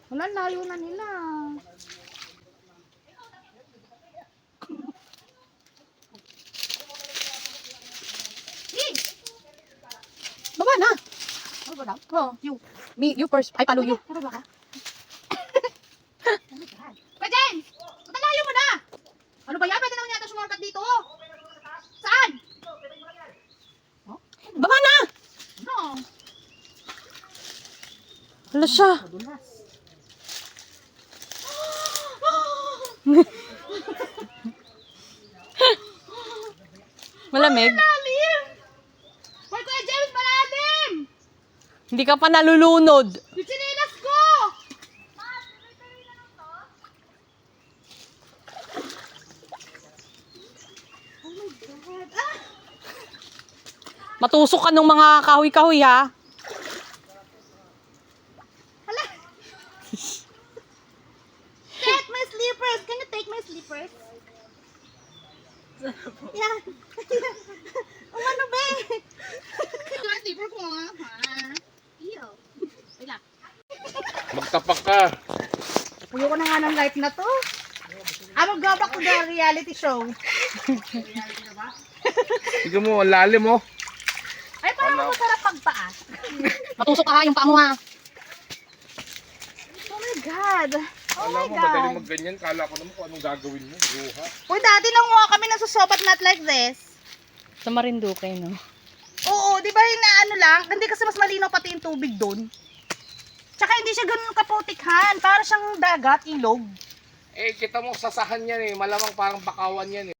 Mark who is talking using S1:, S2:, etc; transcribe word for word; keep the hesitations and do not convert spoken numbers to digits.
S1: Wala, layo na nila.
S2: Baba na.
S1: Ano ba daw?
S2: Oh, you. Me, you first. I follow you.
S1: Ano ba ka? Kajen! Matalayo mo na! Ano ba yan? Pwede naman yata sumorkat dito. Saan?
S2: Baba na.
S1: No.
S2: Hala siya. Malamig.
S1: Malalim! Hoy, Kuya James, malalim!
S2: Hindi ka pa nalulunod.
S1: Yung sinilas ko! Oh my God! Ah!
S2: Matusok ka ng mga kahoy-kahoy ha.
S1: Hala! Take my slippers! Can you take my slippers? Yan! Ang ano ba eh? Yung slipper ko nga ha? Iyo! Wait lang.
S3: Magtapak ka.
S1: Puyo ko na nga ng light na to. Ah, mag-go back to the reality show.
S3: Tignan mo, ang lalim mo.
S1: Ay, parang masarap pagpaa.
S2: Matusok ka ha, yung paa mo ha.
S1: Oh my God! Oh
S3: Alam
S1: my
S3: mo, madali
S1: God!
S3: magganyan. Kala ko naman kung anong gagawin mo. Buha.
S1: Uy, dati nanguha kami ng susobat not like this.
S2: Sa Marinduque, no?
S1: Oo, di ba yung na ano lang? Hindi kasi mas malinaw pati yung tubig doon. Tsaka hindi siya ganun kaputikhan. Para siyang dagat, ilog.
S3: Eh, kita mo, sasahan yan eh. Malamang parang bakawan yan eh.